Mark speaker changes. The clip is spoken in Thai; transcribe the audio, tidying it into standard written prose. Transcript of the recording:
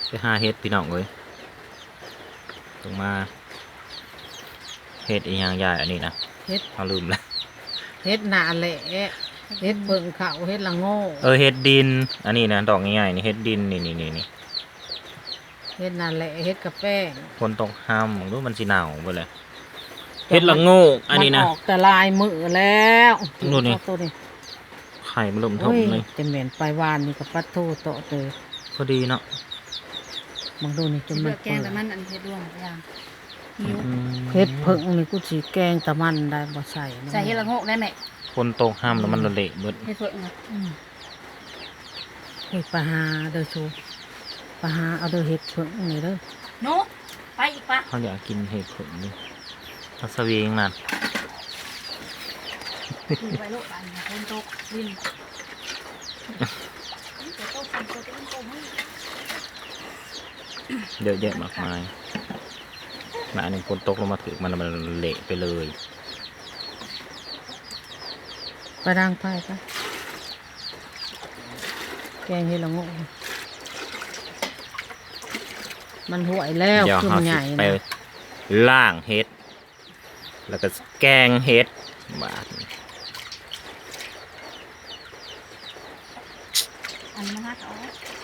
Speaker 1: ไปหาเฮ็ดพี่น้องเลยต้องมาเฮ็ดอีหยังใหญ่อันนี้นะ
Speaker 2: เฮ็ด
Speaker 1: เขาลืมแล้ว
Speaker 2: เฮ็ดหนาแหละเฮ็ดเบิ่งเขาเฮ็ดละโง่
Speaker 1: เฮ็ดดินอันนี้นะดอกง่ายๆนี่เฮ็ดดินนี่
Speaker 2: เฮ็ดหนาแหละเฮ็ดกาแฟ
Speaker 1: คนตกห้ามรู้มันสิหนาวไปเลยเฮ็ดละโง่อันนี้นะ
Speaker 2: มัออกแต่ลายมือแล้ว
Speaker 1: ดูนี่
Speaker 2: ตัวนี้
Speaker 1: ไข่มันเริ่มท
Speaker 2: โอ้
Speaker 1: ม
Speaker 2: ย
Speaker 1: เลย
Speaker 2: จะเหม็นไปวานนี่กับปัดโทโตะเตย
Speaker 1: พอดีเนาะ
Speaker 2: บางดูนี่จะ
Speaker 3: สิ
Speaker 2: มั
Speaker 3: เลื
Speaker 2: น
Speaker 3: อกแกงแต่มันอันเฮ็ดร่วงทุกอย่างหิว
Speaker 2: เฮ็ดเพิ่งนี่กูสิแกงตะมันได้บ่ใส่นะ
Speaker 3: ใส่เฮ็ดละโงกได้ไหม
Speaker 1: คนตกห้ามแล้วมันเละเบิด
Speaker 3: เฮ็ดเพิ่งนะ
Speaker 2: เฮ็ดปลาหาเด้อชูปลาหาเอาเด้อเฮ็ดเพิ่งนี่เด้อ
Speaker 3: หนูไปอีกปะ
Speaker 1: เขาอยากกินเห็ดผลนี่ทัศวีงนั่น
Speaker 3: ถือไปลูกอันนี้คนตกวินตัวโตสั่นตัวเป็นโตมึง
Speaker 1: เยอะแยะมากมายมาอันหนึ่งคนตกลงมาถือมันเละไปเลย
Speaker 2: ไปดังไปปะแกงเฮ็ดละโง่มันห่วยแล้ว
Speaker 1: เดี๋ยว
Speaker 2: คือ
Speaker 1: เขา
Speaker 2: มันให
Speaker 1: สิ
Speaker 2: ญ่
Speaker 1: ไป
Speaker 2: นะ
Speaker 1: ล่างเห็ดแล้วก็แกงเห็ดบาด
Speaker 3: อันนี้มาฮักเอา